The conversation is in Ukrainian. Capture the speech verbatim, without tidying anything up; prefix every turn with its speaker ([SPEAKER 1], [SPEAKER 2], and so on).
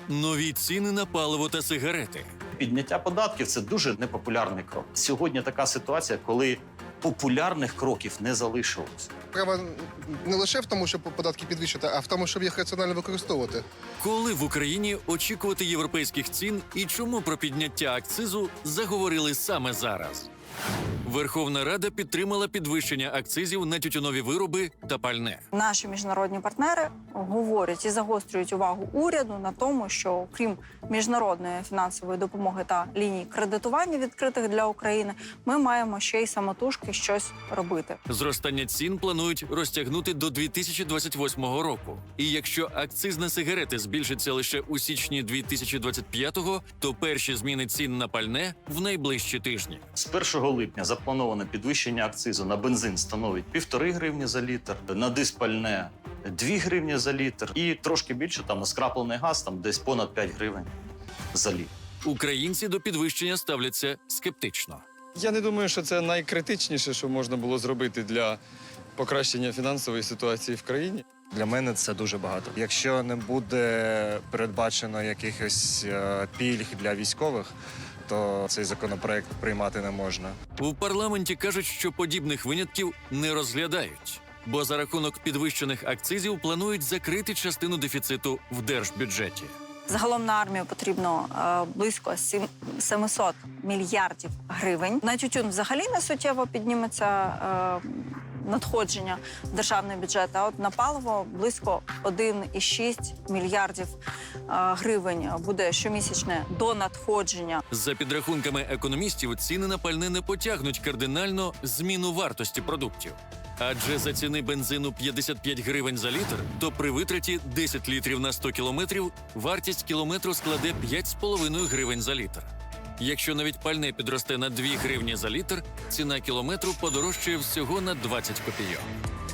[SPEAKER 1] Нові ціни на паливо та сигарети.
[SPEAKER 2] Підняття податків – це дуже непопулярний крок. Сьогодні така ситуація, коли популярних кроків не залишилось.
[SPEAKER 3] Справа не лише в тому, щоб податки підвищити, а в тому, щоб їх раціонально використовувати.
[SPEAKER 1] Коли в Україні очікувати європейських цін і чому про підняття акцизу заговорили саме зараз? Верховна Рада підтримала підвищення акцизів на тютюнові вироби та пальне.
[SPEAKER 4] Наші міжнародні партнери говорять і загострюють увагу уряду на тому, що крім міжнародної фінансової допомоги та ліній кредитування відкритих для України, ми маємо ще й самотужки щось робити.
[SPEAKER 1] Зростання цін планують розтягнути до дві тисячі двадцять восьмого року. І якщо акциз на сигарети збільшиться лише у січні дві тисячі двадцять п'ятого, то перші зміни цін на пальне в найближчі тижні.
[SPEAKER 2] З першого липня заплановане підвищення акцизу на бензин становить півтори гривні за літр, на диспальне дві гривні за літр і трошки більше там на скраплений газ, там десь понад п'ять гривень за літр.
[SPEAKER 1] Українці до підвищення ставляться скептично.
[SPEAKER 5] Я не думаю, що це найкритичніше, що можна було зробити для покращення фінансової ситуації в країні.
[SPEAKER 6] Для мене це дуже багато. Якщо не буде передбачено якихось е, пільг для військових, то цей законопроект приймати не можна.
[SPEAKER 1] У парламенті кажуть, що подібних винятків не розглядають, бо за рахунок підвищених акцизів планують закрити частину дефіциту в держбюджеті.
[SPEAKER 4] Загалом на армію потрібно е, близько сім- сімсот мільярдів гривень. На тютюн взагалі не суттєво підніметься е, надходження в державний бюджет, а от на паливо близько один цілих шість мільярдів е, гривень буде щомісячне до надходження.
[SPEAKER 1] За підрахунками економістів, ціни на пальне не потягнуть кардинально зміну вартості продуктів. Адже за ціни бензину п'ятдесят п'ять гривень за літр, то при витраті десять літрів на сто кілометрів вартість кілометру складе п'ять з половиною гривень за літр. Якщо навіть пальне підросте на дві гривні за літр, ціна кілометру подорожчає всього на двадцять копійок.